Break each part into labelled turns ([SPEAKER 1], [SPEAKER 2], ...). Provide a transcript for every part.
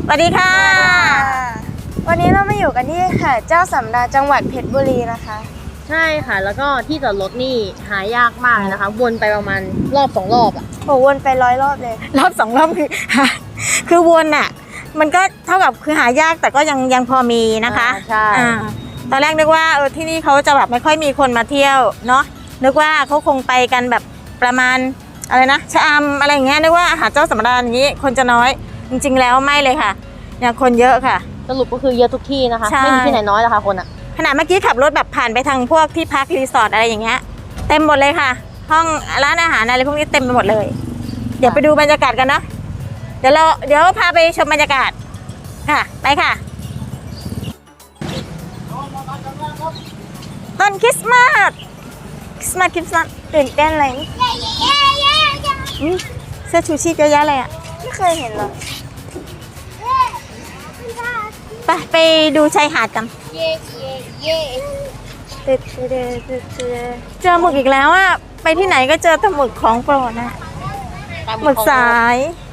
[SPEAKER 1] สวัสดีค่ะ
[SPEAKER 2] วันนี้เรามาอยู่กันที่หาดเจ้าสำราญจังหวัดเพชรบุรีนะคะ
[SPEAKER 3] ใช่ค่ะแล้วก็ที่จอดรถนี่หายากมากเลยนะคะวนไปประมาณรอบ2 รอบอ่ะ
[SPEAKER 2] โหวนไป100 รอบเลย
[SPEAKER 1] รอบ2 รอบคือวนอ่ะมันก็เท่ากับคือหายากแต่ก็ยังพอมีนะคะ
[SPEAKER 3] ใช่
[SPEAKER 1] ตอนแรกนึกว่าที่นี่เขาจะแบบไม่ค่อยมีคนมาเที่ยวเนาะนึกว่าเขาคงไปกันแบบประมาณอะไรนะชะอำอะไรอย่างเงี้ยนึกว่าหาดเจ้าสำราญอย่างนี้คนจะน้อยจริงๆแล้วไม่เลยค่ะยังคนเยอะค่ะ
[SPEAKER 3] สรุปก็คือเยอะทุกที่นะคะไม่มีที่ไหนน้อยหรอกค่ะคนอ่ะ
[SPEAKER 1] ขณะเมื่อกี้ขับรถแบบผ่านไปทางพวกที่พักรีสอร์ทอะไรอย่างเงี้ยเต็มหมดเลยค่ะห้องร้านอาหารอะไรพวกนี้เต็มไปหมดเลยเดี๋ยวไปดูบรรยากาศกันเนาะเดี๋ยวพาไปชมบรรยากาศค่ะไปค่ะต้นคริสต์มาส
[SPEAKER 2] ตื่นเต้นเลย
[SPEAKER 1] เสื้อชูชีพเยอะแยะเลยอ่ะ
[SPEAKER 2] ไม่เคยเห็นหรอ
[SPEAKER 1] ไปดูชายหาดกันเจอหมึกอีกแล้วอ่ะไปที่ไหนก็เจอแต่หมึกของโปรดนะหมึกสาย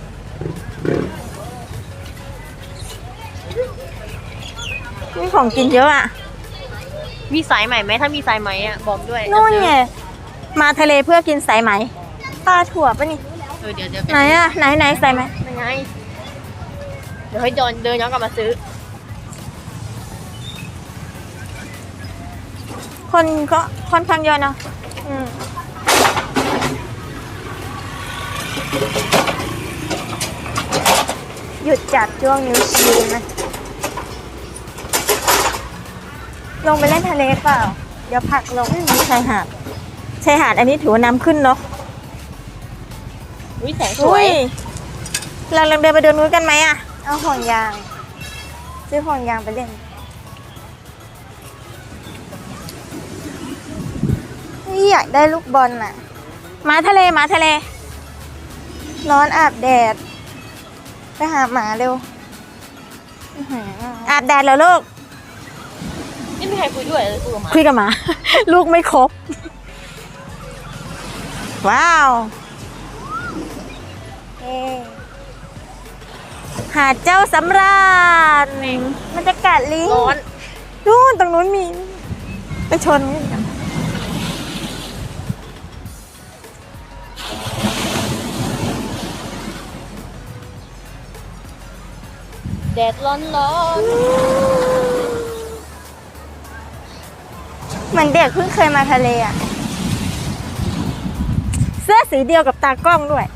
[SPEAKER 1] นี่ของกินเยอะอ่ะ
[SPEAKER 3] มีสายใหม่ไหมถ้ามีสายไหมอ่ะบอกด้วย
[SPEAKER 1] นู่นไงมาทะเลเพื่อกินสายไหมปลาถั่วปะนี่
[SPEAKER 3] เดี๋ยว
[SPEAKER 1] ไหนอ่ะไหนสายไหม
[SPEAKER 3] ยังไงเดี๋ยวให้เดินย้อนกลับมาซื้อ
[SPEAKER 1] คนก็ค่อนข้างเยอะเนาะ
[SPEAKER 2] หยุดจับช่วงนิ้วชี้นะลงไปเล่นทะเลเปล่าเดี๋ยวผักลง
[SPEAKER 1] ชายหาดอันนี้ถือว่าน้ำขึ้นเนาะ
[SPEAKER 3] แสงสวย
[SPEAKER 1] เราลองเดินไปเดินนู้นกันไหมอ่ะ
[SPEAKER 2] เอาห่วงยางซื้อห่วงยางไปเล่นนี่อยากได้ลูกบอลน่ะ
[SPEAKER 1] มาทะเล
[SPEAKER 2] ร้อนอาบแดดไปหาหมาเร็ว
[SPEAKER 1] อาบแดดแล้วลูก
[SPEAKER 3] ไม่มีใครคุยด้วย
[SPEAKER 1] คุยกับหมาลูกไม่ครบว้าวหาดเจ้าสำราญ
[SPEAKER 2] บรรยากาศลิง
[SPEAKER 3] ร้อน
[SPEAKER 1] นู่นตรงนู้นมีไปชนกัน
[SPEAKER 3] แดดร้อน
[SPEAKER 2] เหมือนเด็กเพิ่งเคยมาทะเลอ่ะ
[SPEAKER 1] เสื้อสีเดียวกับตากล้องด้วย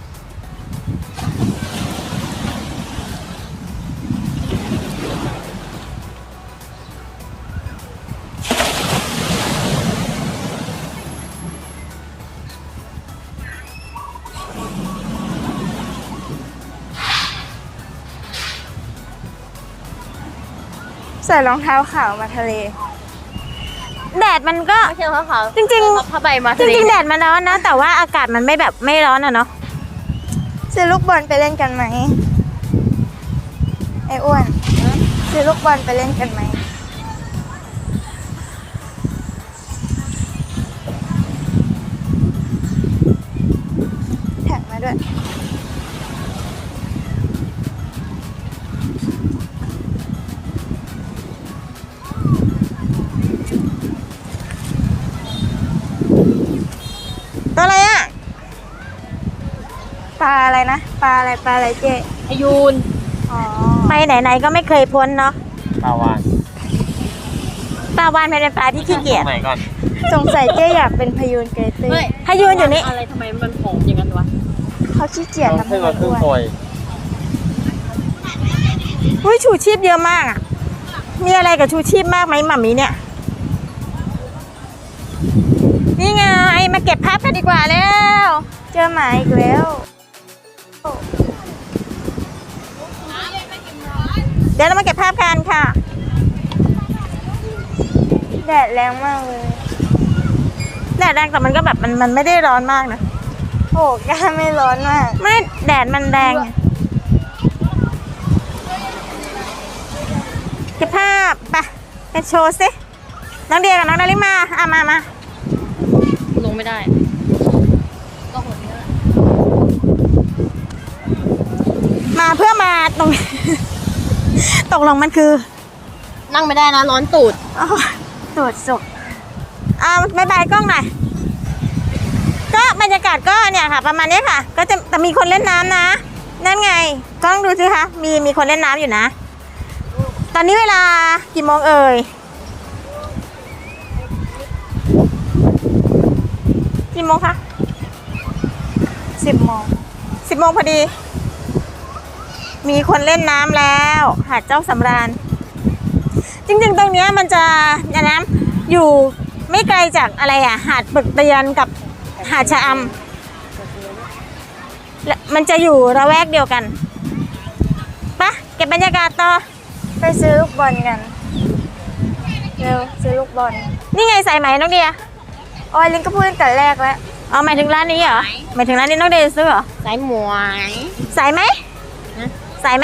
[SPEAKER 2] ใส่รองเท้าขาวมาทะเล
[SPEAKER 1] แดดมันก็
[SPEAKER 3] ไม่ใช่รองเท้าขาว
[SPEAKER 1] จริง
[SPEAKER 3] ผ้าใบมา
[SPEAKER 1] จริงแดดมันร้อนนะแต่ว่าอากาศมันไม่ร้อนอะเนาะ
[SPEAKER 2] ซื้อลูกบอลไปเล่นกันไหมไอ้อ้วนซื้อลูกบอลไปเล่นกันไหมแท็กมาด้วย
[SPEAKER 1] ตัวอะไรอ่ะ
[SPEAKER 2] ปลาอะไรนะปลาอะไรเจ๊
[SPEAKER 3] พยูน
[SPEAKER 1] ไปไหนๆก็ไม่เคยพ้นเนาะ
[SPEAKER 4] ปลาวาฬ
[SPEAKER 1] เป็นปลาที่ขี้เกียจ
[SPEAKER 2] สงสัยเจ๊อยากเป็นพยูนเกยตื้น
[SPEAKER 1] พยูนอยู่นี่
[SPEAKER 3] อะไรทำไมมันผอมอย่างนั้นวะ
[SPEAKER 2] เขาขี้เกียจทำให้มันอ้วน
[SPEAKER 1] อุ้ยชูชีพเยอะมากอ่ะมีอะไรกับชูชีพมากไหมหม่ามีเนี่ยนี่ไงมาเก็บภาพกันดีกว่าแล้ว
[SPEAKER 2] เจอหมาอีกแล้ว
[SPEAKER 1] เดี๋ยวเรามาเก็บภาพกันค่ะ
[SPEAKER 2] แดดแรงมากเลย
[SPEAKER 1] แดดแรงแต่มันก็แบบมันไม่ได้ร้อนมากนะ
[SPEAKER 2] โอ้ก้าไม่ร้อนมาก
[SPEAKER 1] ไม่แดดมันแรงเก็บภาพไปโชว์สิน้องเดียกับน้องนาริมามา
[SPEAKER 3] ลงไม่ได้ก็หดเยอะ
[SPEAKER 1] มาเพื่อมาตรงตกลงมันคือ
[SPEAKER 3] นั่งไม่ได้นะร้อนตูด
[SPEAKER 1] อ๋อ
[SPEAKER 2] ตรวจศพ
[SPEAKER 1] บายบายกล้องหน่อยก็บรรยากาศก็เนี่ยค่ะ ประมาณนี้ค่ะ ก็จะแต่มีคนเล่นน้ำนะนั่นไงกล้องดูสิคะมีคนเล่นน้ำอยู่นะ ตอนนี้เวลากี่โมงเอ่ยกี่โมงคะ
[SPEAKER 2] 10 โมง
[SPEAKER 1] 10 โมงพอดี มีคนเล่นน้ำแล้วหาดเจ้าสำราญจริงๆตรงเนี้ยมันจะน้ำอยู่ไม่ไกลจากอะไรอ่ะหาดปึกเตียนกับหาดชะอำและมันจะอยู่ระแวกเดียวกันปะเก็บบรรยากาศต่อ
[SPEAKER 2] ไปซื้อลูกบอลกัน เร็วซื้อลูกบอล
[SPEAKER 1] นี่ไงสายไหมน้องเดีย
[SPEAKER 2] ออยลินก็พูดตั้งแต่แรกแล้ว
[SPEAKER 1] เอาหมายถึงร้านนี้เหรอหมายถึงร้านนี้น้องเดียซื้อเหรอ
[SPEAKER 3] สายหมวย
[SPEAKER 1] สายไหม
[SPEAKER 3] ฮะ
[SPEAKER 1] สายไหม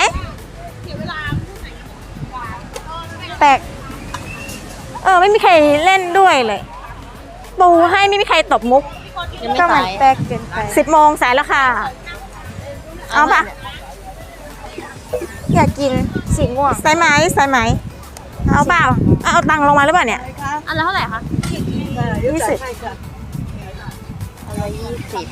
[SPEAKER 2] แปลก
[SPEAKER 1] ไม่มีใครเล่นด้วยเลยปูให้ไม่มีใครตบมุก
[SPEAKER 3] ยังไม่
[SPEAKER 2] ก็มั
[SPEAKER 3] สาน ย
[SPEAKER 2] แปลกเกินไป
[SPEAKER 1] 10 โมงสายแล้วค่ะ เอาปะ
[SPEAKER 2] อยากกินสีม่วง
[SPEAKER 1] สายไหมสายไหมเอาเปล่าเอาตังค์ลงมาหรือเปล่าเนี่ย
[SPEAKER 3] อันละเท่าไหร่คะ
[SPEAKER 1] 20
[SPEAKER 3] อันละ20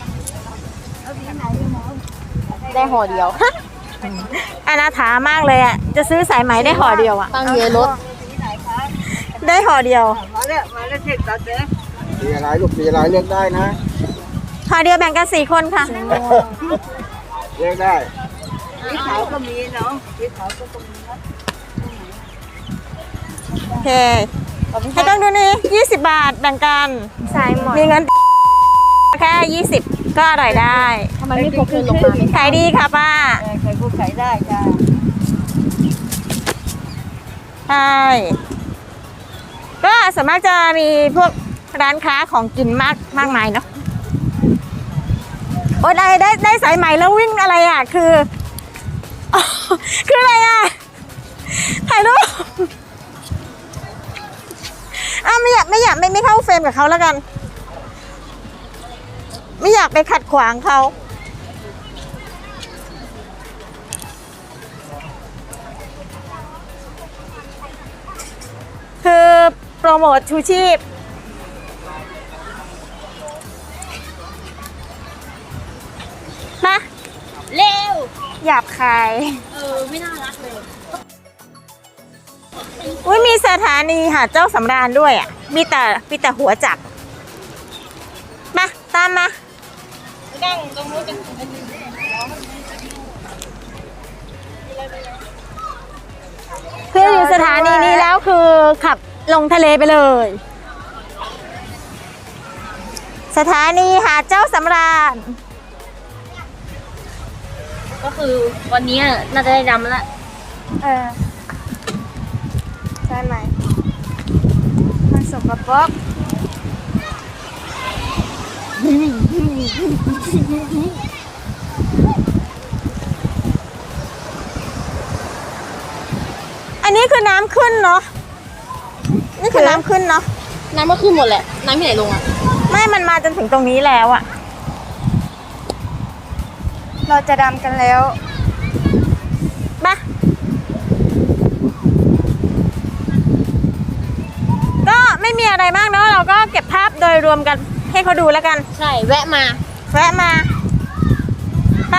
[SPEAKER 3] ได้ห่อเดียว
[SPEAKER 1] อนาถามากเลยอ่ะจะซื้อสายไหมได้ห่อเดียวอ่ะ
[SPEAKER 3] ตั้งเยอะรถ
[SPEAKER 1] ได้ห่อเดียว
[SPEAKER 4] สีอะไรลูกสีอะไรเลือกได้นะ
[SPEAKER 1] ห่อเดียวแบ่งกัน4 คนค่ะ
[SPEAKER 4] เลือกได้
[SPEAKER 1] โอเคให้ต้องดูนี่20 บาทแบ่งกัน
[SPEAKER 2] สายหมอน
[SPEAKER 1] มีเงินแค่20ก็อร่อยได้
[SPEAKER 3] ทำไมไม่พกเงินลงมาไม่
[SPEAKER 1] ขายดีค่ะป้า
[SPEAKER 4] ใครพูดขายได้จ้า
[SPEAKER 1] ใช่ก็ส่วนมากจะมีพวกร้านค้าของกินมากมายเนาะโอ้ได้สายใหม่แล้ววิ่งอะไรอ่ะคือ อ๋อคืออะไรอ่ะถ่ายรูปไม่เข้าเฟรมกับเขาแล้วกัน ไม่อยากไปขัดขวางเขาคือโปรโมทชูชีพนะ
[SPEAKER 3] เร็ว
[SPEAKER 2] หยาบคาย
[SPEAKER 3] ไม่น่ารักเลย
[SPEAKER 1] อุ้ยมีสถานีหาดเจ้าสำราญด้วยอ่ะมีแต่หัวจักรมาตามมาคืออยู่สถานีนี้แล้วคือขับลงทะเลไปเลย สถานีหาดเจ้าสำราญ
[SPEAKER 3] ก็คือวันนี้น่าจะได้ดำแล้ว
[SPEAKER 2] ใช่ไหมมันสกปรก
[SPEAKER 1] อันนี้คือน้ำขึ้นเนาะนี่คือน้ำขึ้นเนาะ
[SPEAKER 3] น้ำก็ขึ้นหมดแหละ น้ำที่ไหนลงอ่ะ
[SPEAKER 1] ไม่มันมาจนถึงตรงนี้แล้วอะ
[SPEAKER 2] เราจะดำกันแล้ว
[SPEAKER 1] มาก็ไม่มีอะไรมากเนาะเราก็เก็บภาพโดยรวมกันให้เขาดูแล้วกัน
[SPEAKER 3] ใช่ แวะมา
[SPEAKER 1] แวะมาไป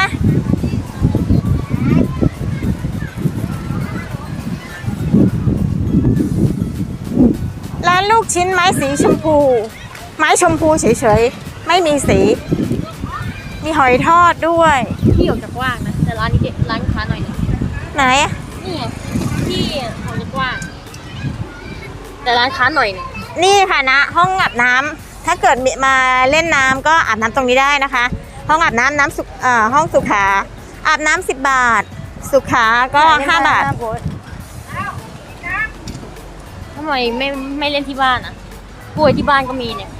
[SPEAKER 1] ร้านลูกชิ้นไม้สีชมพู ไม้ชมพูเฉยๆไม่มีสี มีหอยทอดด้วย
[SPEAKER 3] ที่ออกจากกว้างนะ แต่ร้านนี้ร้านค้าหน่อยหนึง
[SPEAKER 1] ไหนอะ
[SPEAKER 3] นี่ไงที่ออกจากกว้าง แต่ร้านค้าหน่อยหนึง
[SPEAKER 1] นี่ค่ะนะห้องอาบน้ำถ้าเกิดมาเล่นน้ำก็อาบน้ำตรงนี้ได้นะคะ ห้องอาบน้ำห้องสุขาอาบน้ำ10 บาท สุขาก็5 บาท
[SPEAKER 3] ทำไมไม่เล่นที่บ้านอ่ะกล้วยที่บ้านก็มีเนี่ย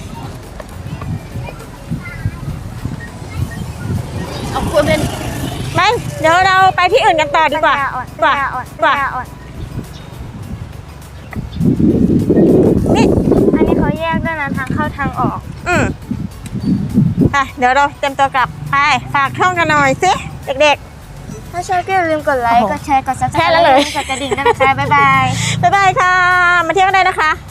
[SPEAKER 3] เอากล้วยเป็น
[SPEAKER 1] ไม่เดี๋ยวเราไปที่อื่นกันต่อดีกว่า
[SPEAKER 2] ปัญญาอ่อนปัญญาอ่อน
[SPEAKER 1] นี่
[SPEAKER 2] อันนี้เขาแยกด้วยนะทางเข้าทางออก
[SPEAKER 1] ไปเดี๋ยวเราเตรียมตัวกลับไปฝากช่องกันหน่อยสิเด็ก
[SPEAKER 2] ถ้าชอบก็อย่าลืมกดไลค์
[SPEAKER 1] โอ้โห
[SPEAKER 2] กดแชร์ กดซับสไคร
[SPEAKER 1] แค่นั้น
[SPEAKER 2] ต์
[SPEAKER 1] เลย
[SPEAKER 2] กดกระดิ่งด้วยนะคะ บ๊ายบาย
[SPEAKER 1] บ๊ายบายค่ะ มาเที่ยวกันได้นะคะ